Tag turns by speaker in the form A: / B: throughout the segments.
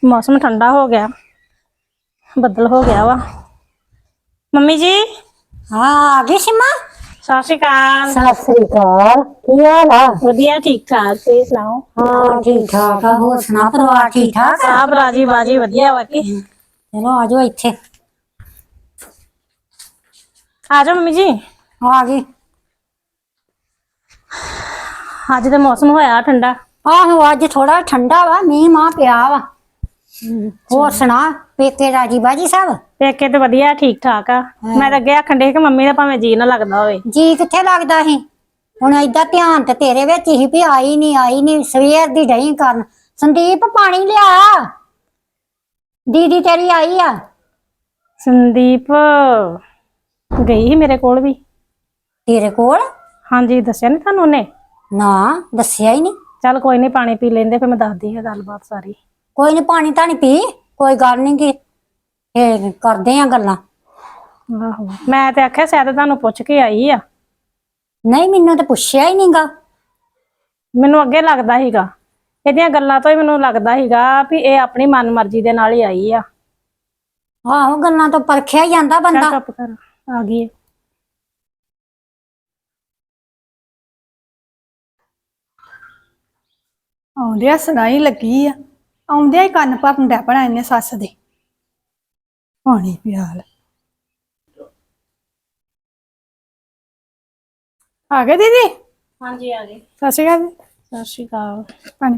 A: मौसम ठंडा हो गया, बदल हो गया वा। मम्मी जी
B: हाँ आ गई सीमा।
A: सत श्री अकाल।
B: सत श्री अकाल, की हाल है?
A: वधिया ठीक ठाक, तुसीं सुनाओ?
B: हाँ ठीक ठाक है। होर सुना, परिवार ठीक ठाक है?
A: सब राजी बाजी वधिया बाकी।
B: चलो आ जाओ इत्थे।
A: आ जाओ मम्मी जी।
B: आ गई।
A: अज तो मौसम होया ठंडा।
B: आहो अज थोड़ा ठंडा वा, मीह माह पिया वा। होर सुना, पेके राजी बाजी सब?
A: पेके तो वधिया ठीक ठाक आ। मैं तो अगे आखन डई कि मम्मी दा भावें जी ना लगदा होवे।
B: जी कित्थे लगदा ही, हुण इदा ध्यान ते तेरे विच ही भी आई नहीं सवेर दी डई करन। संदीप पानी लिया, दीदी तेरी आई आ।
A: संदीप गई ही मेरे कोल भी।
B: तेरे कोल?
A: हाँ जी, दस्सिया नहीं थानू उन्हें?
B: ना दस्सिया ही नहीं।
A: चल कोई नहीं, पानी पी लेंदे फिर मैं दसदी है गलबात सारी।
B: कोई नहीं, पानी तानी पी, कोई गल नहीं की करदे आ गल्लां।
A: आहो मैं ते आख्या शायद थानू पुछ के आई आ।
B: नहीं मैनू तो पुछया ही नहीं गा।
A: मैनू अगे लगदा हीगा, इहदियां गल्लां तो ही मैनू लगदा हीगा भी ये अपनी मन मर्जी दे नाल ही आई आ।
B: आहो गल्लां तो परखिया ही जांदा
A: चल
B: बंदा।
A: चुप कर, आ गई है।
C: ਆਉਂਦਿਆਂ ਸੁਣਾਈ ਲੱਗੀ ਆ, ਆਉਂਦਿਆਂ ਹੀ ਕੰਨ ਭਰਨ ਡੈ ਪੈਣਾ ਇਹਨੇ ਸੱਸ ਦੇ। ਪਾਣੀ ਪਿਆ ਲੈ। ਆ ਗਏ ਦੀਦੀ?
A: हाँ जी आ गई।
C: ਸਤਿ ਸ਼੍ਰੀ ਅਕਾਲ।
A: सत श्री अकाल।
C: ਪਾਣੀ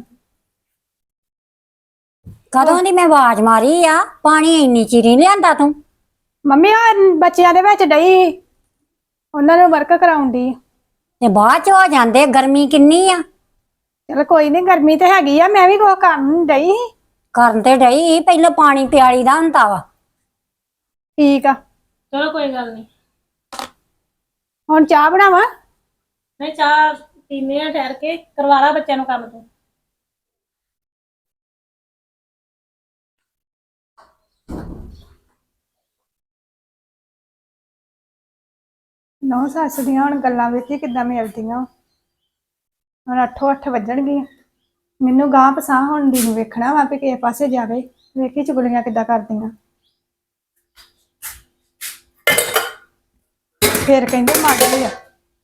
B: ਕਦੋਂ ਦੀ ਮੈਂ ਆਵਾਜ਼ ਮਾਰੀ ਆ, ਪਾਣੀ ਇੰਨੀ ਚਿਰ ਨਹੀਂ ਲਿਆਂਦਾ ਤੂੰ?
C: ਮੰਮੀ ਆ ਬੱਚਿਆਂ ਦੇ ਵਿੱਚ ਡਈ, ਉਹਨਾਂ ਨੂੰ ਵਰਕ ਕਰਾਉਣ ਦੀ।
B: ਤੇ ਬਾਅਦ ਚ ਹੋ ਜਾਂਦੇ, ਗਰਮੀ ਕਿੰਨੀ ਆ।
C: ਚਲ ਕੋਈ ਨਹੀਂ, ਗਰਮੀ ਤੇ ਹੈਗੀ ਆ, ਮੈਂ ਵੀ ਕੁਛ ਕਰਨ ਡਈ ਸੀ।
B: ਕਰਨ ਤੇ ਡਈ, ਪਹਿਲਾਂ ਪਾਣੀ ਪਿਆਲੀ ਦਾ ਹੁੰਦਾ ਵਾ।
C: ਠੀਕ ਆ,
A: चलो कोई गल नहीं।
C: ਹੁਣ ਚਾਹ ਬਣਾਵਾਂ?
A: नहीं चाह पीने आ, ठहर के करवा ला बच्चों काम तो।
C: ਨੌ ਸੱਸ ਦੀਆਂ ਹੁਣ ਗੱਲਾਂ ਵੇਖੀ ਕਿੱਦਾਂ ਮਿਲਦੀਆਂ। ਹੁਣ 8:08 ਵੱਜਣਗੀਆਂ। ਮੈਨੂੰ ਗਾਂ ਪਸਾਹ ਹੁਣ ਦੀ ਨੂੰ ਵੇਖਣਾ ਵਾ ਵੀ ਕਿਸੇ ਪਾਸੇ ਜਾਵੇ, ਵੇਖੀ ਚੁਗਲੀਆਂ ਕਿੱਦਾਂ ਕਰਦੀਆਂ। ਫਿਰ ਕਹਿੰਦੇ ਮਾੜੀ ਆ।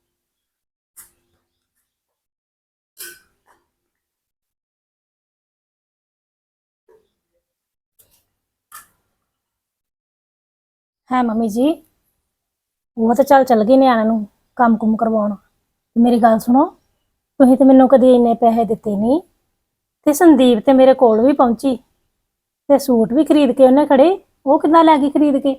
A: है मम्मी जी, वो तो चल गई नियाणे नूं काम कुम करवाउण। मेरी गल सुनो, तुसीं ते मैनूं कदी इन्ने पैसे दित्ते नहीं ते संदीप ते मेरे कोल भी पहुंची ते सूट भी खरीद के उन्हें खड़े, वो किद्दां लै गई खरीद के?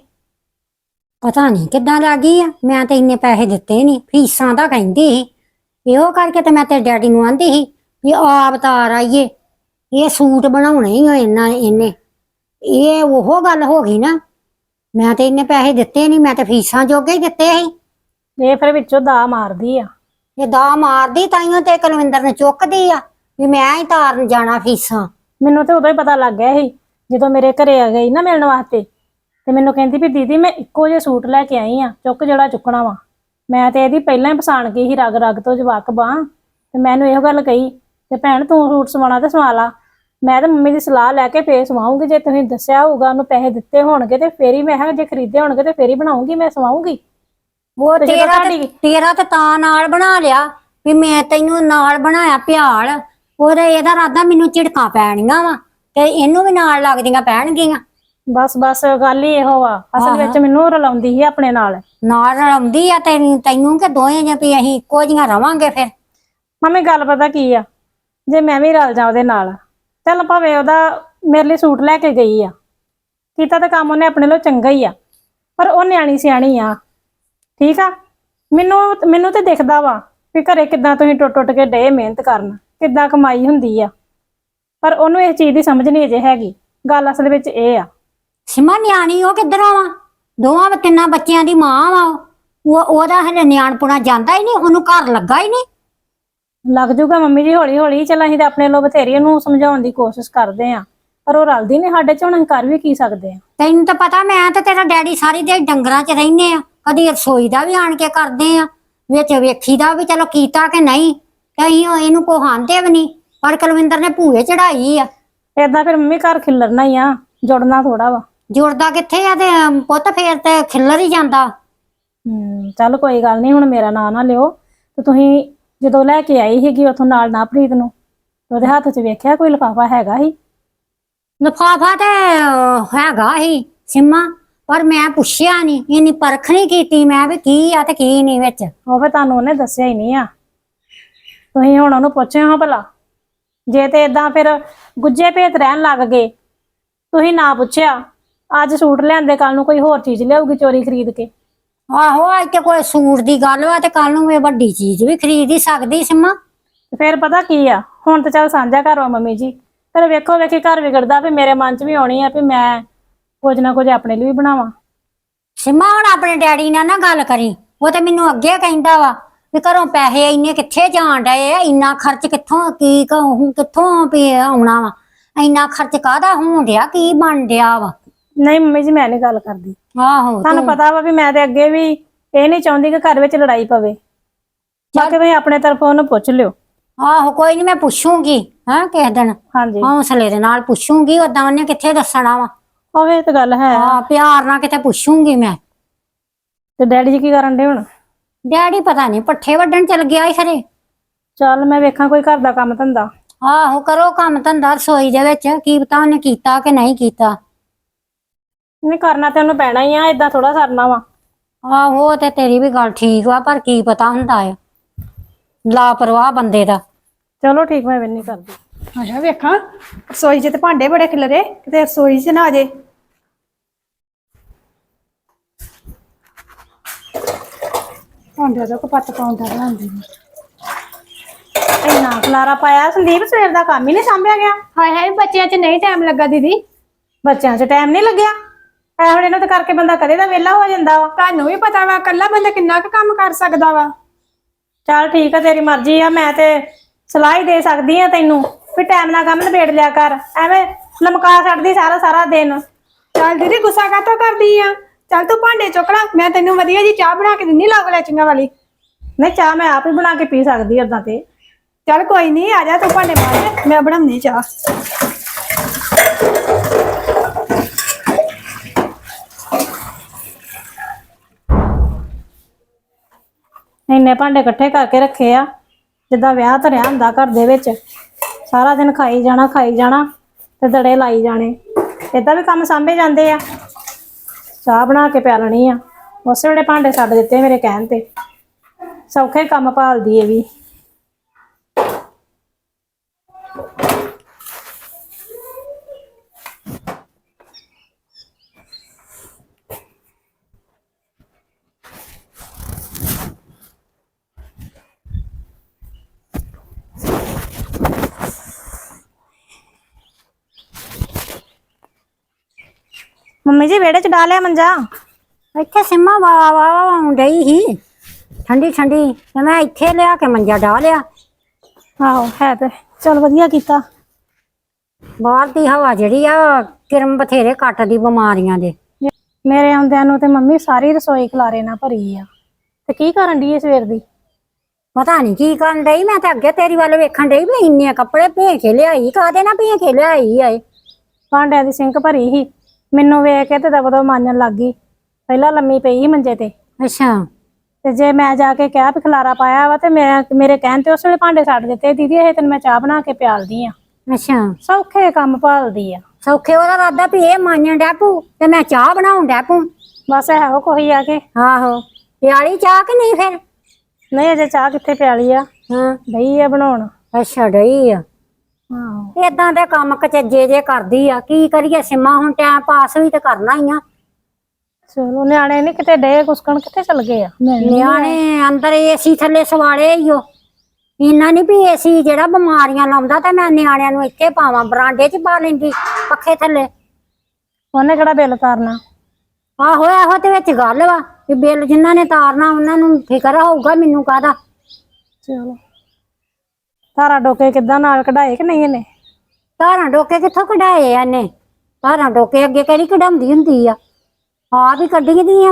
B: ਪਤਾ ਨਹੀਂ ਕਿੱਦਾਂ ਲੱਗ ਗਈ ਆ, ਮੈਂ ਤੇ ਇੰਨੇ ਪੈਸੇ ਦਿੱਤੇ ਨਹੀਂ, ਫੀਸਾਂ ਦਾ ਕਹਿੰਦੀ ਸੀ। ਇਹੋ ਕਰਕੇ ਤੇ ਮੈਂ ਤੇ ਡੈਡੀ ਨੂੰ ਆਂਦੀ ਸੀ ਵੀ ਆਪ ਤਾਰ ਆਈਏ, ਇਹ ਸੂਟ ਬਣਾਉਣੇ ਹੀ ਹੋ ਇਹਨੇ। ਇਹ ਉਹ ਗੱਲ ਹੋ ਗਈ ਨਾ, ਮੈਂ ਤੇ ਇੰਨੇ ਪੈਸੇ ਦਿੱਤੇ ਨਹੀਂ, ਮੈਂ ਤੇ ਫੀਸਾਂ ਜੋਗੇ ਹੀ ਦਿੱਤੇ ਸੀ।
A: ये फिर विचों दा मारदी आ।
B: ਇਹ ਦਾ ਮਾਰਦੀ ਤਾਈਓ ਤੇ ਕੁਲਵਿੰਦਰ ਨੂੰ ਚੁੱਕਦੀ ਆ ਵੀ ਮੈਂ ਹੀ ਤਾਰਨ ਜਾਣਾ ਫੀਸਾਂ।
A: ਮੈਨੂੰ ਤੇ ਉਦੋਂ ਹੀ ਪਤਾ ਲੱਗ ਗਿਆ ਸੀ ਜਦੋਂ ਮੇਰੇ ਘਰੇ ਆ ਗਈ ਨਾ ਮਿਲਣ ਵਾਸਤੇ, ਤੇ ਮੈਨੂੰ ਕਹਿੰਦੀ ਵੀ ਦੀਦੀ ਮੈਂ ਇੱਕੋ ਜਿਹੇ ਸੂਟ ਲੈ ਕੇ ਆਈ ਆ, ਚੁੱਕ ਜਿਹੜਾ ਚੁੱਕਣਾ ਵਾ। ਮੈਂ ਤੇ ਇਹਦੀ ਪਹਿਲਾਂ ਹੀ ਪਛਾਣ ਗਈ ਸੀ ਰਗ ਰਗ ਤੋਂ ਜਵਾਕ ਬਾਂ, ਤੇ ਮੈਨੂੰ ਇਹੋ ਗੱਲ ਕਹੀ ਤੇ ਭੈਣ ਤੂੰ ਸੂਟ ਸਵਾਉਣਾ ਤੇ ਸਵਾ ਲਾ, ਮੈਂ ਤੇ ਮੰਮੀ ਦੀ ਸਲਾਹ ਲੈ ਕੇ ਫੇਰ ਸਵਾਉਂਗੀ। ਜੇ ਤੁਸੀਂ ਦੱਸਿਆ ਹੋਊਗਾ, ਉਹਨੂੰ ਪੈਸੇ ਦਿੱਤੇ ਹੋਣਗੇ ਤੇ ਫੇਰ ਹੀ, ਮੈਂ ਕਿਹਾ ਜੇ ਖਰੀਦੇ ਹੋਣਗੇ ਤੇ ਫੇਰ ਹੀ ਬਣਾਉਂਗੀ, ਮੈਂ ਸਵਾਉਂਗੀ।
B: ਉਹ
A: ਤੇ ਜਦੋਂ ਤੁਹਾਡੀ
B: ਤੇਰਾ ਤੇ ਤਾਂ ਨਾਲ ਬਣਾ ਲਿਆ ਵੀ ਮੈਂ ਤੈਨੂੰ ਨਾਲ ਬਣਾਇਆ ਪਿਆਲ। ਉਹਦਾ ਇਹਦਾ ਇਰਾਦਾ ਮੈਨੂੰ ਝਿੜਕਾਂ ਪੈਣੀਆਂ ਵਾ ਤੇ ਇਹਨੂੰ ਵੀ ਨਾਲ ਲੱਗਦੀਆਂ ਪੈਣਗੀਆਂ।
A: ਬਸ ਬਸ ਗੱਲ ਹੀ ਇਹੋ ਆ, ਅਸਲ ਵਿੱਚ ਮੈਨੂੰ ਰਲਾਉਂਦੀ ਸੀ ਆਪਣੇ ਨਾਲ।
B: ਨਾਲ ਰਲਾਉਂਦੀ ਆ ਤੈਨੂੰ ਕਿ ਦੋਵੇਂ ਜੇ ਵੀ ਅਸੀਂ ਇੱਕੋ ਜੀਆਂ ਰਵਾਂਗੇ ਫਿਰ?
A: ਮੰਮੀ ਗੱਲ ਪਤਾ ਕੀ ਆ, ਜੇ ਮੈਂ ਵੀ ਰਲ ਜਾ ਉਹਦੇ ਨਾਲ, ਚੱਲ ਭਾਵੇਂ ਉਹਦਾ ਮੇਰੇ ਲਈ ਸੂਟ ਲੈ ਕੇ ਗਈ ਆ, ਕੀਤਾ ਤਾਂ ਕੰਮ ਉਹਨੇ ਆਪਣੇ ਲਈ ਚੰਗਾ ਹੀ ਆ, ਪਰ ਉਹ ਨਿਆਣੀ ਸਿਆਣੀ ਆ, ਠੀਕ ਆ। ਮੈਨੂੰ ਤੇ ਦਿਖਦਾ ਵਾ ਵੀ ਘਰੇ ਕਿੱਦਾਂ ਤੁਸੀਂ ਟੁੱਟ ਕੇ ਡੇ ਮਿਹਨਤ ਕਰਨ, ਕਿੱਦਾਂ ਕਮਾਈ ਹੁੰਦੀ ਆ, ਪਰ ਉਹਨੂੰ ਇਸ ਚੀਜ਼ ਦੀ ਸਮਝ ਨਹੀਂ ਅਜੇ ਹੈਗੀ। ਗੱਲ ਅਸਲ ਵਿੱਚ ਇਹ ਆ।
B: ਸਿਮਾ ਨਿਆਣੀ ਉਹ ਕਿੱਧਰੋਂ ਵਾ? ਦੋਵਾਂ ਤਿੰਨਾਂ ਬੱਚਿਆਂ ਦੀ ਮਾਂ ਵਾ ਉਹਦਾ ਹਲੇ ਨਿਆਣਪੁਣਾ ਜਾਂਦਾ ਹੀ ਨਹੀਂ, ਉਹਨੂੰ ਘਰ ਲੱਗਾ ਹੀ ਨਹੀਂ।
A: ਲੱਗ ਜੂਗਾ ਮੰਮੀ ਜੀ ਹੌਲੀ ਹੌਲੀ। ਚੱਲ ਅਸੀਂ ਤਾਂ ਆਪਣੇ ਲੋ ਬਥੇਰੀ ਉਹਨੂੰ ਸਮਝਾਉਣ ਦੀ ਕੋਸ਼ਿਸ਼ ਕਰਦੇ ਆ, ਪਰ ਉਹ ਰਲਦੀ ਨਹੀਂ ਸਾਡੇ ਚ। ਹੁਣ ਅਸੀਂ ਕਰ ਵੀ ਕੀ ਸਕਦੇ ਆ?
B: ਤੈਨੂੰ ਤਾਂ ਪਤਾ, ਮੈਂ ਤੇ ਤੇਰਾ ਡੈਡੀ ਸਾਰੀ ਦਿਹਾੜੀ ਡੰਗਰਾਂ 'ਚ ਰਹਿੰਦੇ ਆ, ਕਦੀ ਰਸੋਈ ਦਾ ਵੀ ਆਣ ਕੇ ਕਰਦੇ ਆ, ਵਿੱਚ ਵੇਖੀ ਦਾ ਵੀ ਚਲੋ ਕੀਤਾ ਕਿ ਨਹੀਂ, ਤੇ ਅਸੀਂ ਇਹਨੂੰ ਕੋ ਹਾਂਦੇ ਵੀ ਨਹੀਂ। ਪਰ ਕੁਲਵਿੰਦਰ ਨੇ ਭੂਏ ਚੜਾਈ ਆ
A: ਏਦਾਂ ਫਿਰ ਮੰਮੀ ਘਰ ਖਿਲਰਨਾ ਹੀ ਆ, ਜੁੜਨਾ ਥੋੜਾ ਵਾ।
B: ਜੁੜਦਾ ਕਿੱਥੇ ਆ ਤੇ ਪੁੱਤ ਫੇਰ ਤੇ ਖਿੱਲਰ ਹੀ ਜਾਂਦਾ।
A: ਚੱਲ ਕੋਈ ਗੱਲ ਨਹੀਂ, ਹੁਣ ਮੇਰਾ ਨਾਂ ਨਾ ਲਿਓ। ਤੇ ਤੁਸੀਂ ਜਦੋਂ ਲੈ ਕੇ ਆਈ ਸੀਗੀ ਉਥੋਂ ਨਾਲ ਨਾ ਪ੍ਰੀਤ ਨੂੰ, ਤੇ ਉਹਦੇ ਹੱਥ 'ਚ ਵੇਖਿਆ ਕੋਈ ਲਿਫਾਫਾ ਹੈਗਾ ਸੀ?
B: ਲਿਫਾਫਾ ਤੇ ਹੈਗਾ ਹੀ ਸਿੰਮਾ, ਪਰ ਮੈਂ ਪੁੱਛਿਆ ਨਹੀਂ, ਇੰਨੀ ਪਰਖ ਨਹੀਂ ਕੀਤੀ ਮੈਂ ਵੀ ਕੀ ਆ ਤੇ ਕੀ ਨਹੀਂ ਵਿੱਚ।
A: ਉਹ ਫਿਰ ਤੁਹਾਨੂੰ ਉਹਨੇ ਦੱਸਿਆ ਹੀ ਨਹੀਂ ਆ, ਤੁਸੀਂ ਹੁਣ ਉਹਨੂੰ ਪੁੱਛਿਓ ਹਾਂ ਭਲਾ। ਜੇ ਤੇ ਏਦਾਂ ਫਿਰ ਗੁੱਜੇ ਭੇਤ ਰਹਿਣ ਲੱਗ ਗਏ, ਤੁਸੀਂ ਨਾ ਪੁੱਛਿਆ, ਅੱਜ ਸੂਟ ਲਿਆਂਦੇ ਕੱਲ ਨੂੰ ਕੋਈ ਹੋਰ ਚੀਜ਼ ਲਿਆਊਗੀ ਚੋਰੀ ਖਰੀਦ ਕੇ।
B: ਆਹੋ ਅੱਜ ਤੇ ਕੋਈ ਸੂਟ ਦੀ ਗੱਲ ਵਾ ਤੇ ਕੱਲ ਨੂੰ ਮੈਂ ਵੱਡੀ ਚੀਜ਼ ਵੀ ਖਰੀਦ ਹੀ ਸਕਦੀ ਸਿੰਮਾ।
A: ਤੇ ਫਿਰ ਪਤਾ ਕੀ ਆ, ਹੁਣ ਤਾਂ ਚੱਲ ਸਾਂਝਾ ਘਰ ਵਾ ਮੰਮੀ ਜੀ, ਫਿਰ ਵੇਖੋ ਵੇਖੀ ਘਰ ਵਿਗੜਦਾ, ਵੀ ਮੇਰੇ ਮਨ 'ਚ ਵੀ ਆਉਣੀ ਆ ਵੀ ਮੈਂ ਕੁਝ ਨਾ ਕੁਝ ਆਪਣੇ ਲਈ ਵੀ ਬਣਾਵਾਂ।
B: ਸਿੰਮਾ ਹੁਣ ਆਪਣੇ ਡੈਡੀ ਨਾਲ ਨਾ ਗੱਲ ਕਰੀ, ਉਹ ਤੇ ਮੈਨੂੰ ਅੱਗੇ ਕਹਿੰਦਾ ਵਾ ਵੀ ਘਰੋਂ ਪੈਸੇ ਇੰਨੇ ਕਿੱਥੇ ਜਾਣ ਡਏ ਆ, ਇੰਨਾ ਖਰਚ ਕਿੱਥੋਂ ਕੀ ਕਿੱਥੋਂ ਵੀ ਆਉਣਾ ਵਾ, ਇੰਨਾ ਖਰਚ ਕਾਹਦਾ ਹੋਣ ਡਿਆ, ਕੀ ਬਣ ਡਿਆ ਵਾ।
A: ਨਹੀਂ ਮੰਮੀ ਜੀ, ਮੈਂ ਨਹੀਂ ਗੱਲ ਕਰਦੀ।
B: ਆਹੋ
A: ਤੁਹਾਨੂੰ ਪਤਾ ਵਾ ਵੀ ਮੈਂ ਤੇ ਅੱਗੇ ਵੀ ਇਹ ਨਹੀਂ ਚਾਹੁੰਦੀ ਕਿ ਘਰ ਵਿੱਚ ਲੜਾਈ ਪਵੇ। ਬਾਕੀ ਤੁਸੀਂ ਆਪਣੇ ਤਰਫੋਂ ਉਹਨੂੰ ਪੁੱਛ ਲਿਓ।
B: ਆਹੋ ਕੋਈ ਨਹੀਂ, ਮੈਂ ਪੁੱਛੂੰਗੀ ਹਾਂ ਕਿਸੇ ਦਿਨ,
A: ਹਾਂਜੀ,
B: ਹੌਸਲੇ ਦੇ ਨਾਲ ਪੁੱਛੂੰਗੀ, ਓਦਾਂ ਉਹਨੇ ਕਿੱਥੇ ਦੱਸਣਾ ਵਾ।
A: ਉਹ ਇਹ ਤਾਂ ਗੱਲ ਹੈ।
B: ਹਾਂ ਪਿਆਰ ਨਾਲ ਕਿਤੇ ਪੁੱਛੂੰਗੀ ਮੈਂ।
A: ਤੇ ਡੈਡੀ ਜੀ ਕੀ ਕਰਨ ਡੇ ਹੁਣ?
B: ਡੈਡੀ ਪਤਾ ਨਹੀਂ ਪੱਠੇ ਵੱਢਣ ਚਲ ਗਿਆ ਈ ਖਰੇ।
A: ਚੱਲ ਮੈਂ ਵੇਖਾਂ ਕੋਈ ਘਰ ਦਾ ਕੰਮ ਧੰਦਾ।
B: ਆਹੋ ਕਰੋ ਕੰਮ ਧੰਦਾ ਰਸੋਈ ਦੇ ਵਿੱਚ, ਕੀ ਪਤਾ ਉਹਨੇ ਕੀਤਾ ਕਿ ਨਹੀਂ ਕੀਤਾ।
A: ਨਹੀਂ ਕਰਨਾ ਤੇ ਉਹਨੂੰ ਪੈਣਾ ਹੀ ਆ, ਏਦਾਂ ਥੋੜਾ ਸਰਨਾ ਵਾ।
B: ਆਹੋ ਉਹ ਤੇ ਤੇਰੀ ਵੀ ਗੱਲ ਠੀਕ ਵਾ, ਪਰ ਕੀ ਪਤਾ ਹੁੰਦਾ ਹੈ ਲਾਪਰਵਾਹ ਬੰਦੇ ਦਾ।
A: ਚਲੋ ਠੀਕ, ਮੈਂ ਨਹੀਂ ਕਰਦੀ।
C: ਅੱਛਾ ਵੇਖਾਂ, ਰਸੋਈ 'ਚ ਤੇ ਭਾਂਡੇ ਬੜੇ ਖਿਲਰੇ, ਕਿਤੇ ਰਸੋਈ 'ਚ ਨਾ ਆ ਜੇ। ਭਾਂਡਿਆਂ ਦਾ ਕਪੱਤ ਪਾਉਂਦਾ ਬਣਾਉਂਦੀ ਨੇ।
A: ਇੰਨਾ ਖਲਾਰਾ ਪਾਇਆ ਸੰਦੀਪ, ਸਵੇਰ ਦਾ ਕੰਮ ਹੀ ਨਹੀਂ ਸਾਂਭਿਆ ਗਿਆ।
C: ਹਾਏ ਹਾਏ, ਬੱਚਿਆਂ 'ਚ ਨਹੀਂ ਟਾਈਮ ਲੱਗਾ ਦੀਦੀ।
A: ਬੱਚਿਆਂ 'ਚ ਟਾਈਮ ਨਹੀਂ ਲੱਗਿਆ? ਇਹੋ ਜਿਹੇ ਨੂੰ ਤੇ ਕਰਕੇ ਬੰਦਾ ਕਦੇ ਦਾ ਵਿਹਲਾ ਹੋ ਜਾਂਦਾ ਵਾ।
C: ਤੁਹਾਨੂੰ ਵੀ ਪਤਾ ਵਾ ਇਕੱਲਾ ਬੰਦਾ ਕਿੰਨਾ ਕੁ ਕੰਮ ਕਰ ਸਕਦਾ ਵਾ।
A: ਚੱਲ ਠੀਕ ਆ, ਤੇਰੀ ਮਰਜ਼ੀ ਆ, ਮੈਂ ਤੇ ਸਲਾਹ ਹੀ ਦੇ ਸਕਦੀ ਆ ਤੈਨੂੰ ਵੀ ਟਾਈਮ ਨਾਲ ਕੰਮ ਨਿਬੇੜ ਲਿਆ ਕਰ, ਐਵੇਂ ਲਮਕਾ ਛੱਡਦੀ ਸਾਰਾ ਸਾਰਾ ਦਿਨ।
C: ਚੱਲ ਦੀਦੀ ਗੁੱਸਾ ਕਾਹਤੋਂ ਕਰਦੀ ਆ? ਚੱਲ ਤੂੰ ਭਾਂਡੇ ਚੁੱਕ ਲੈ, ਮੈਂ ਤੈਨੂੰ ਵਧੀਆ ਜੀ ਚਾਹ ਬਣਾ ਕੇ ਦਿੰਦੀ ਲੌਂਗ ਲੈਚੀਆਂ ਵਾਲੀ।
A: ਨਹੀਂ, ਚਾਹ ਮੈਂ ਆਪ ਹੀ ਬਣਾ ਕੇ ਪੀ ਸਕਦੀ ਓਦਾਂ ਤੇ।
C: ਚੱਲ ਕੋਈ ਨਹੀਂ, ਆ ਜਾ ਤੂੰ ਭਾਂਡੇ ਮਾਂਜ, ਮੈਂ ਬਣਾਉਣੀ ਚਾਹ।
A: ਇੰਨੇ ਭਾਂਡੇ ਇਕੱਠੇ ਕਰਕੇ ਰੱਖੇ ਆ, ਜਿੱਦਾਂ ਵਿਆਹ ਧਰਿਆ ਹੁੰਦਾ ਘਰ ਦੇ ਵਿੱਚ। ਸਾਰਾ ਦਿਨ ਖਾਈ ਜਾਣਾ ਤੇ ਦੜੇ ਲਾਈ ਜਾਣੇ। ਏਦਾਂ ਵੀ ਕੰਮ ਸਾਂਭੇ ਜਾਂਦੇ ਆ। ਚਾਹ ਬਣਾ ਕੇ ਪਿਆ ਲੈਣੀ ਆ, ਉਸੇ ਵੇਲੇ ਭਾਂਡੇ ਛੱਡ ਦਿੱਤੇ ਮੇਰੇ ਕਹਿਣ ਤੇ। ਸੌਖੇ ਕੰਮ ਭਾਲਦੀ ਏ ਵੀ। ਮੰਮੀ ਜੀ ਵਿਹੜੇ 'ਚ ਡਾਲਿਆ ਮੰਜਾ?
B: ਇੱਥੇ ਸਿੰਮਾ ਵਾ ਡਈ ਹੀ ਠੰਡੀ ਠੰਡੀ, ਤੇ ਮੈਂ ਇੱਥੇ ਲਿਆ ਕੇ ਮੰਜਾ ਢਾ ਲਿਆ।
A: ਆਹੋ ਹੈ ਤੇ ਚਲ ਵਧੀਆ ਕੀਤਾ।
B: ਬਾਹਰ ਦੀ ਹਵਾ ਜਿਹੜੀ ਆ ਕਿਰਮ ਬਥੇਰੇ ਕੱਟਦੀ ਬਿਮਾਰੀਆਂ ਦੇ।
A: ਮੇਰੇ ਆਉਂਦਿਆਂ ਨੂੰ ਤੇ ਮੰਮੀ ਸਾਰੀ ਰਸੋਈ ਖਲਾਰੇ ਨਾਲ ਭਰੀ ਆ, ਤੇ ਕੀ ਕਰਨ ਡਈ ਏ ਸਵੇਰ ਦੀ?
B: ਪਤਾ ਨਹੀਂ ਕੀ ਕਰਨ ਡਈ, ਮੈਂ ਤਾਂ ਅੱਗੇ ਤੇਰੀ ਵੱਲ ਵੇਖਣ ਡਈ ਵੀ ਇੰਨੇ ਕੱਪੜੇ ਭੇ ਕੇ ਲਿਆਈ, ਕਾਹਦੇ ਨਾਲ ਭੇ ਕੇ ਲਿਆਈ ਆਏ।
A: ਭਾਂਡਿਆਂ ਦੀ ਸਿੰਕ ਭਰੀ ਸੀ, ਮੈਨੂੰ ਵੇਖ ਕੇ ਤੇ ਦਬਦਬ ਮਾਂਜਣ ਲੱਗ ਗਈ। ਪਹਿਲਾਂ ਲੰਮੀ ਪਈ ਸੀ ਮੰਜੇ ਤੇ,
B: ਅੱਛਾ
A: ਤੇ ਜੇ ਮੈਂ ਜਾ ਕੇ ਕਿਹਾ ਵੀ ਖਲਾਰਾ ਪਾਇਆ ਵਾ, ਤੇ ਮੇਰੇ ਕਹਿਣ ਤੇ ਉਸ ਵੇਲੇ ਭਾਂਡੇ ਛੱਡ ਦਿੱਤੇ। ਦੀਦੀ ਇਹ ਤੈਨੂੰ ਮੈਂ ਚਾਹ ਬਣਾ ਕੇ ਪਿਆਲਦੀ ਆ।
B: ਅੱਛਾ
A: ਸੌਖੇ ਕੰਮ ਭਾਲਦੀ ਆ।
B: ਸੌਖੇ ਉਹਦਾ ਰਾਦਾ ਵੀ ਇਹ ਮਾਂਜਣ ਡੈਪੂ ਤੇ ਮੈਂ ਚਾਹ ਬਣਾਉਣ ਡੈਪੂ।
A: ਬਸ ਇਹੋ ਕੋਈ ਆ ਕੇ।
B: ਆਹੋ ਪਿਆਲੀ ਚਾਹ ਕਿ ਨਹੀਂ ਫਿਰ?
A: ਨਹੀਂ ਅਜੇ ਚਾਹ ਕਿੱਥੇ ਪਿਆਲੀ ਆ,
B: ਹਾਂ
A: ਦਹੀਂ ਆ ਬਣਾਉਣ।
B: ਅੱਛਾ ਡਈ ਆ।
A: ਆਹੋ
B: ਏਦਾਂ ਦੇ ਕੰਮ ਕਚੱਜੇ ਜੇ ਕਰਦੀ ਆ, ਕੀ ਕਰੀਏ ਸਿੰਮਾ, ਹੁਣ ਟਾਈਮ ਪਾਸ ਵੀ ਤੇ ਕਰਨਾ ਹੀ ਆ।
A: ਚਲੋ ਨਿਆਣੇ ਨੀ ਕਿਤੇ ਡੇ ਕੁਸਕਣ, ਕਿੱਥੇ ਚਲ ਗਏ ਆ?
B: ਨਿਆਣੇ ਅੰਦਰ ਏਸੀ ਥੱਲੇ ਸਵਾਲੇ ਹੀ ਓ। ਇੰਨਾ ਨੀ ਵੀ ਏਸੀ ਜਿਹੜਾ ਬਿਮਾਰੀਆਂ ਲਾਉਂਦਾ, ਤੇ ਮੈਂ ਨਿਆਣਿਆਂ ਨੂੰ ਇੱਥੇ ਪਾਵਾਂ, ਬਰਾਂਡੇ 'ਚ ਪਾ ਲੈਂਦੀ ਪੱਖੇ ਥੱਲੇ।
A: ਉਹਨੇ ਕਿਹੜਾ ਬਿੱਲ ਤਾਰਨਾ?
B: ਆਹੋ ਇਹੋ ਤੇ ਵਿੱਚ ਗੱਲ ਵਾ ਵੀ ਬਿੱਲ ਜਿਨ੍ਹਾਂ ਨੇ ਤਾਰਨਾ ਉਹਨਾਂ ਨੂੰ ਫਿਕਰ ਹੋਊਗਾ, ਮੈਨੂੰ ਕਾਹਦਾ।
A: ਚਲੋ ਤਾਰਾ ਡੋਕੇ ਕਿੱਦਾਂ ਨਾਲ ਕਢਾਏ ਕਿ ਨਹੀਂ ਇਹਨੇ?
B: ਧਾਰਾਂ ਡੋਕੇ ਕਿੱਥੋਂ ਕਢਾਏ ਆ ਇਹਨੇ? ਧਾਰਾਂ ਡੋਕੇ ਅੱਗੇ ਕਿਹੜੀ ਕਢਾਉਂਦੀ ਹੁੰਦੀ ਆ, ਆਪ ਹੀ ਕੱਢੀ ਦੀਆਂ।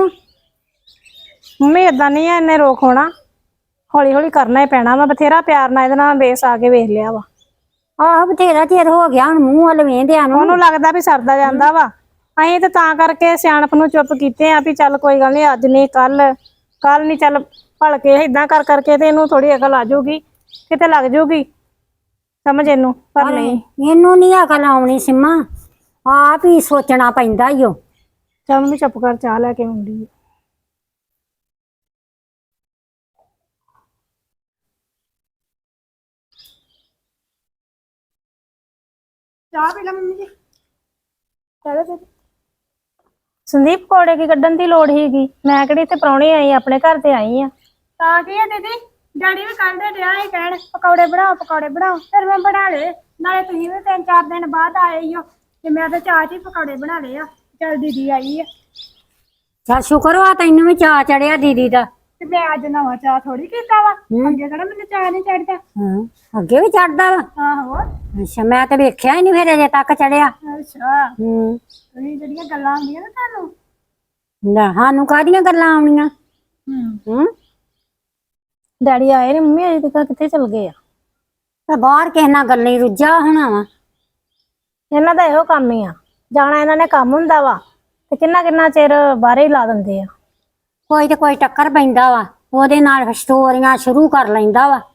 A: ਮੰਮੀ ਏਦਾਂ ਨਹੀਂ ਆ, ਇਹਨੇ ਰੋਕ ਹੋਣਾ। ਹੌਲੀ ਹੌਲੀ ਕਰਨਾ ਹੀ ਪੈਣਾ ਵਾ, ਬਥੇਰਾ ਪਿਆਰ ਨਾਲ ਇਹਦੇ ਨਾਲ ਬੇਸ ਆ ਕੇ ਵੇਖ ਲਿਆ ਵਾ।
B: ਆਹ ਬਥੇਰਾ ਚਿਰ ਹੋ ਗਿਆ ਹੁਣ ਮੂੰਹ ਵੱਲ ਵੇਂਦਿਆਂ ਨੂੰ।
A: ਉਹਨੂੰ ਲੱਗਦਾ ਵੀ ਸਰਦਾ ਜਾਂਦਾ ਵਾ। ਅਸੀਂ ਤੇ ਤਾਂ ਕਰਕੇ ਸਿਆਣਪ ਨੂੰ ਚੁੱਪ ਕੀਤੇ ਆ ਵੀ ਚੱਲ ਕੋਈ ਗੱਲ ਨਹੀਂ, ਅੱਜ ਨਹੀਂ ਕੱਲ ਨਹੀਂ, ਚੱਲ ਭਲਕੇ ਇਦਾਂ ਕਰ ਕਰਕੇ ਤੇ ਇਹਨੂੰ ਥੋੜੀ ਅਕਲ ਆ ਜਾਊਗੀ, ਕਿਤੇ ਲੱਗ ਜਾਊਗੀ ਸਮਝ ਇਹਨੂੰ। ਪਰ ਨਹੀਂ,
B: ਇਹਨੂੰ ਨਹੀਂ ਅਕਲ ਆਉਣੀ ਸਿੰਮਾ, ਆਪ ਹੀ ਸੋਚਣਾ ਪੈਂਦਾ ਈ ਓ।
A: ਚੱਲ ਮੰਮੀ ਚੁੱਪ ਕਰ, ਚਾਹ ਲੈ ਕੇ ਆਉਂਦੀ ਆ।
C: ਚਾਹ ਪੀ ਲੈ ਮੰਮੀ ਜੀ। ਚਲੋ ਫਿਰ।
A: ਸੰਦੀਪ ਕੋੜੇ ਕੀ ਕੱਢਣ ਦੀ ਲੋੜ ਹੀਗੀ? ਮੈਂ ਕਿਹੜੀ ਇੱਥੇ ਪ੍ਰਾਹੁਣੇ ਆਈ, ਆਪਣੇ ਘਰ ਤੇ ਆਈ ਆ।
C: ਤਾਂ ਕੀ ਹੈ ਦੀਦੀ, ਡੈਡੀ ਵੀ ਕੱਲ ਦੇ ਡਿਆ ਹੀ ਕਹਿਣ ਪਕੌੜੇ ਬਣਾਓ, ਫਿਰ ਮੈਂ ਬਣਾ ਲਏ। ਨਾਲੇ ਤੁਸੀਂ ਵੀ 3-4 ਦਿਨ ਬਾਅਦ ਆਏ ਹੀ ਹੋ ਤੇ ਮੈਂ ਤਾਂ ਚਾਹ 'ਚ ਹੀ ਪਕੌੜੇ ਬਣਾ ਲਏ ਆ। ਚੱਲ ਦੀਦੀ ਆਈ ਆ
B: ਚੱਲ ਸ਼ੁਕਰ ਵਾ ਤੈਨੂੰ ਵੀ ਚਾਅ ਚੜਿਆ ਦੀਦੀ ਦਾ।
C: ਤੇ ਮੈਂ ਅੱਜ ਨਵਾਂ ਚਾਹ ਥੋੜੀ ਕੀਤਾ ਵਾ, ਅੱਗੇ ਕਿਹੜਾ ਮੈਨੂੰ ਚਾਹ ਨਹੀਂ ਚੜਦਾ।
B: ਹਾਂ, ਅੱਗੇ ਵੀ ਚੜਦਾ ਵਾ।
C: ਆਹੋ।
B: ਅੱਛਾ, ਮੈਂ ਤੇ ਵੇਖਿਆ ਹੀ ਨਹੀਂ ਫਿਰ ਅਜੇ ਤੱਕ ਚੜਿਆ।
C: ਅੱਛਾ,
B: ਹੂੰ,
C: ਤੁਸੀਂ ਜਿਹੜੀਆਂ ਗੱਲਾਂ ਹੁੰਦੀਆਂ ਨਾ ਤੁਹਾਨੂੰ।
B: ਲੈ ਸਾਨੂੰ ਕਾਹਦੀਆਂ ਗੱਲਾਂ ਆਉਣੀਆਂ। ਹੂੰ,
A: ਡੈਡੀ ਆਏ ਨੇ ਮੰਮੀ, ਅਜੇ ਤੱਕ ਕਿੱਥੇ ਚਲ ਗਏ ਆ?
B: ਤੇ ਬਾਹਰ ਕਿਸੇ ਨਾਲ ਗੱਲਾਂ ਹੀ ਰੁੱਝਾ ਹੋਣਾ ਵਾ।
A: ਇਹਨਾਂ ਦਾ ਇਹੋ ਕੰਮ ਹੀ ਆ, ਜਾਣਾ ਇਹਨਾਂ ਨੇ ਕੰਮ ਹੁੰਦਾ ਵਾ ਤੇ ਕਿੰਨਾ ਚਿਰ ਬਾਹਰੇ ਹੀ ਲਾ ਦਿੰਦੇ ਆ।
B: ਕੋਈ ਤੇ ਕੋਈ ਟੱਕਰ ਪੈਂਦਾ ਵਾ, ਉਹਦੇ ਨਾਲ ਸਟੋਰੀਆਂ ਸ਼ੁਰੂ ਕਰ ਲੈਂਦਾ ਵਾ।